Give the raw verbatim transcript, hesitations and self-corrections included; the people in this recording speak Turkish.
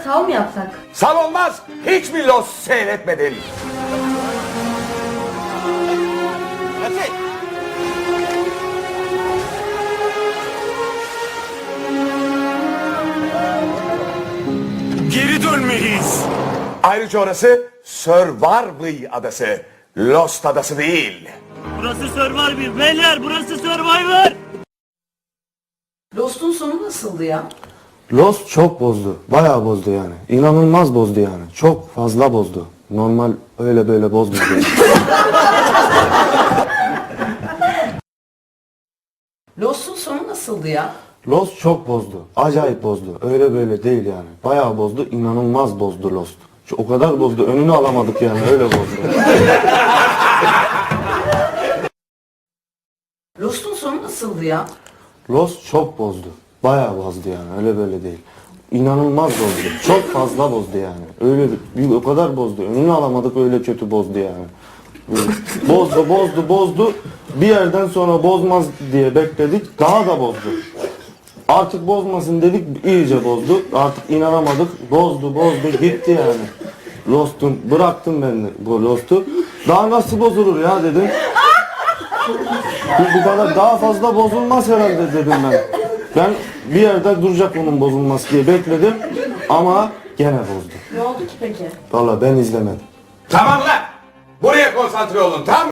Sal mı yapsak? Sal olmaz. Hiç mi Lost seyretmedin? Geri dönmeliyiz. Ayrıca orası Survivor adası. Lost adası değil. Burası Survivor beyler, burası Survivor. Lost'un sonu nasıldı ya? Lost çok bozdu. Bayağı bozdu yani. İnanılmaz bozdu yani. Çok fazla bozdu. Normal öyle böyle bozmadı. Lost'un sonu nasıldı ya? Lost çok bozdu. Acayip bozdu. Öyle böyle değil yani. Bayağı bozdu. İnanılmaz bozdu Lost. Şu- O kadar bozdu. Önünü alamadık yani. Öyle bozdu. Lost'un sonu nasıldı ya? Lost çok bozdu. Bayağı bozdu yani. Öyle böyle değil. İnanılmaz bozdu. Çok fazla bozdu yani. Öyle bir, o kadar bozdu. Önünü alamadık, öyle kötü bozdu yani. Bozdu, bozdu, bozdu. Bir yerden sonra bozmaz diye bekledik. Daha da bozdu. Artık bozmasın dedik, iyice bozdu. Artık inanamadık. Bozdu, bozdu, gitti yani. Lost'un, bıraktım ben de bu Lost'u. Daha nasıl bozulur ya dedim. Bu, bu kadar daha fazla bozulmaz herhalde dedim ben. Ben bir yerde duracak onun bozulması diye bekledim. Ama gene bozdu. Ne oldu ki peki? Vallahi ben izlemedim. Tamam lan. Buraya konsantre olun, tamam mı?